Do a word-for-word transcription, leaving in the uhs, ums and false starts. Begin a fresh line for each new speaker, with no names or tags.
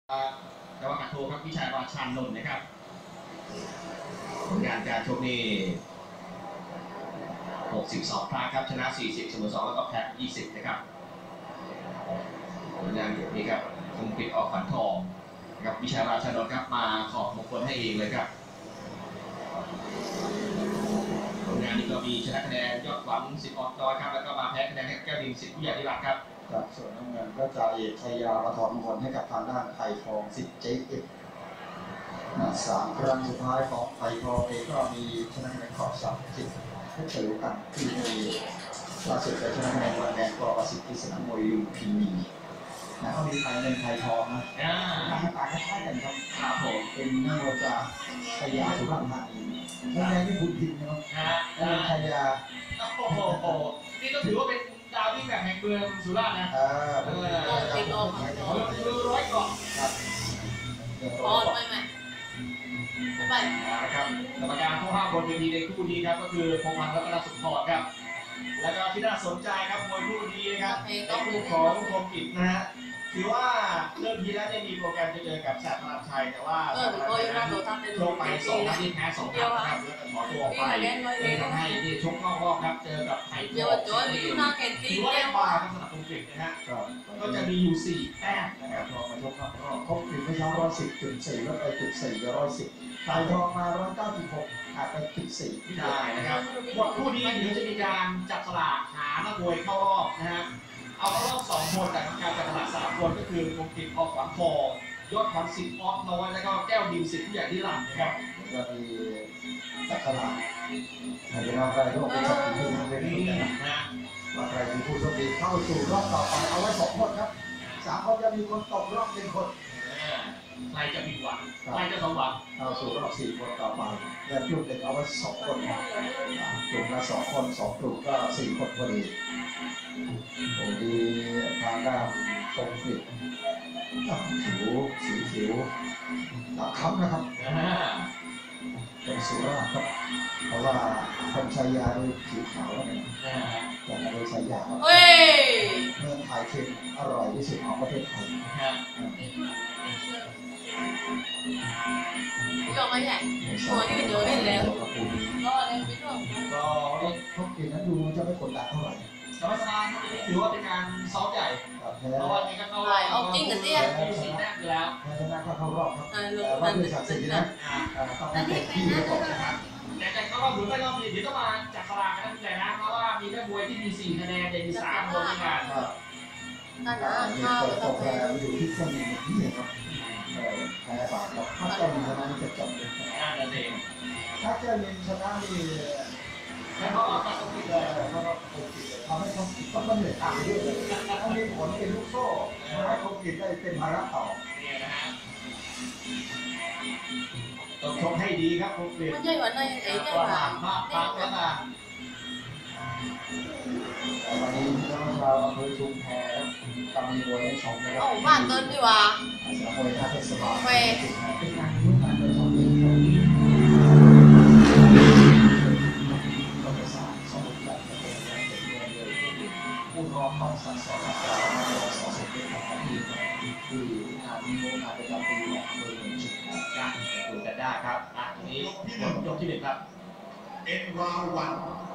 กรรมการโทครับวิชัยราชานนท์นะครับผลงานการชกนี่หกสิบสองครั้งครับชนะสี่สิบเสมอสองแล้วก็แพ้ยี่สิบนะครับผลงานอย่างนี้ครับคงปิดออกฝันทองกับวิชัยราชานนท์ครับมาขอบมงคลให้เองเลยครับผลงานนี้ก็มีชนะคะแนนยอดหวังสิบออดน้อยครับแล้วก็มาแพ้คะแนนให้แก้วดินสิบผู้ใหญ่ที่รักครับ
จากส่วนน้ำเงินก็จ่าเอกชัยยาประทอนมงคลให้กับทางด้านไทยทองสิบเจเอฟสามครั้งสุดท้ายของไทยทองเองก็มีชนะคะแนนขอบสามสิบให้เฉลิมกันที่มีล่าสุดไปชนะคะแนนวันแดงกอประสิทธิ์ที่สนามมวยลุมพินีนะเขามีไทยเงินไทยทองนะหน้าตาคล้ายๆกันครับ
ครับผม
เป็นนักมวยจากชัยยาสุพรรณธานีนักแดงที่บุญทินนะครับนักชัยยา
โอ้โหนี่ก็ถือว่าเป็นดาวที่แบบแห่งเมืองสุราษฎร์นะ
เออเออ
ติดออกมือร้อยเกาะ
ครับ
พอไปไหมไป
นะครับกรรมการผู้ห้ามบนเวทีในคู่นี้ครับก็คือพงษ์พันธ์รัตนสุขพรครับแล้วก็ที่น่าสนใจครับมวยคู่นี้นะครับในคู่ของคมกิจนะฮะถือว่าเริ่มทีแล้วได้มีโปรแกรมจะเจอกับแสบพลังชัยแต่ว่าแสบพลังชัยนั้นลงไปสองนัดที่แพ้สองนัดนะครับแล้วก็ขอตัวออกไปเลยทำให้ที่ชกนอกรอบครับเจอกับไทยทองถือว่าได้ปลาสำหรับคมกิจนะฮะก็จะมีอยู่สี่แต้มนะครับ
พอมาชกครับก็ครบถึงไม่ช้าร้อยสิบจุดสี่ลดไปจุดสี่ร้อยสิบไทยทองมาร้อยเก้าสิบหกขาดไปจุดสี่
ใช่นะครับหมดคู่นี้เดี๋ยวจะมีการจับสลากหานักมวยเข้ารอบนะฮะเอาเข้ารอบสองคนแต่การจับสลากสามคนก็คือคมกิจออกขวัญทองยอดขวัญสิบออฟน้อยแล้วก็แก้วดิมสิบผู้ใหญ่ที่หลังนะครับ
ก็มีจับสลากให้เป็นว่าใครร่วมเป็นสักทีที่ทำได้ดีนะว่าใครเป็นผู้โชคดีเข้าสู่รอบต่อไปเอาไว้สองคนครับสามคนจะมีคนตกรอบหนึ่งคน
ใครจะผิดหวังใครจะสมหวัง
เอาสู่รอบสี่คนต่อไปเงินลูกเด็กเอาไว้สองคนกลุ่มละสองคนสองกลุ่มก็สี่คนพอดีโอ้ดีทางด้านตรงผิดผิวสีผิวหลักคำนะครับเป็นสุราษฎร์ครับเพราะว่าคนชัยยาโดยผิวขาวเนี่ยแต่โดยชัยยาเมืองไทยเค็มอร่อยที่สุดของประเทศไทย
ยอมไม่ใหญ่หัวยืดเยอะเลยแล้วก็อะไรไม่ชอบ
ก็พวกกินนั้นดูจะไม่กดดันเท่าไหร่
สบายสบายถือว่าเป็นการซ้อมใหญ่เพราะว่านี่ก็เข้ารอบ
เอาจริงกันเนี่ย
มีสี่แต้มอยู่แล้ว
แพ้ชนะก็เข้ารอบครับแต่ว่าด้วยศักดิ์ศรีนะต้องเต็มที่เลยนะครับ
แต่แต่ก็หรือไม่ก็มีเดี๋ยวต้องมาจับสลากกันแต่นะเพราะว่ามีแค่มวยที่มีสี่คะแนนแต่มีสามคนในงาน
นั่นนะ
ข้าวตกแล้วอยู่ที่เครื่องบินนี่ครับแพ้บาทครับถ้าเจ้ามินชนะนี่จะจบเลย
นั่นเอง
ถ้าเจ้ามินชนะนี่
แล้วก็เอาต้องคิดเลย
เขาก็คงคิดเลยทำให้เขาต้องมันเหนื่อยตามเยอะเลยต้องมีผลเป็นลูกโซ่ให้คงคิดได้เป็นภาระต่อ
เนี่ยนะฮะต้องชมให้ดีครับคงคิด
ไม่ใช่วันนั้นเองใช่ไหม
มากมากแล้วนะ
วันนี้น้องเราอำเภอชุมแพกำลังมวยให้ชมนะครับ
โอ้บ้านเกินดีว่า
สามวยท่าเทศบาล
เว
เป็นงานรุ่นการเดินทางเองก็จะสร้างสมุดแบบเป็นงานเป็นเมืองเลยผู้รอความสั่งสอนการสอนเสร็จเป็นของทีมที่งานมีโอกาสประจำปีของเมืองชุมแพ
กันดูกันได้ครับอ่ะนี้ยกที่หนึ่งยกที่หนึ่งครับ
เอ็นวาวัน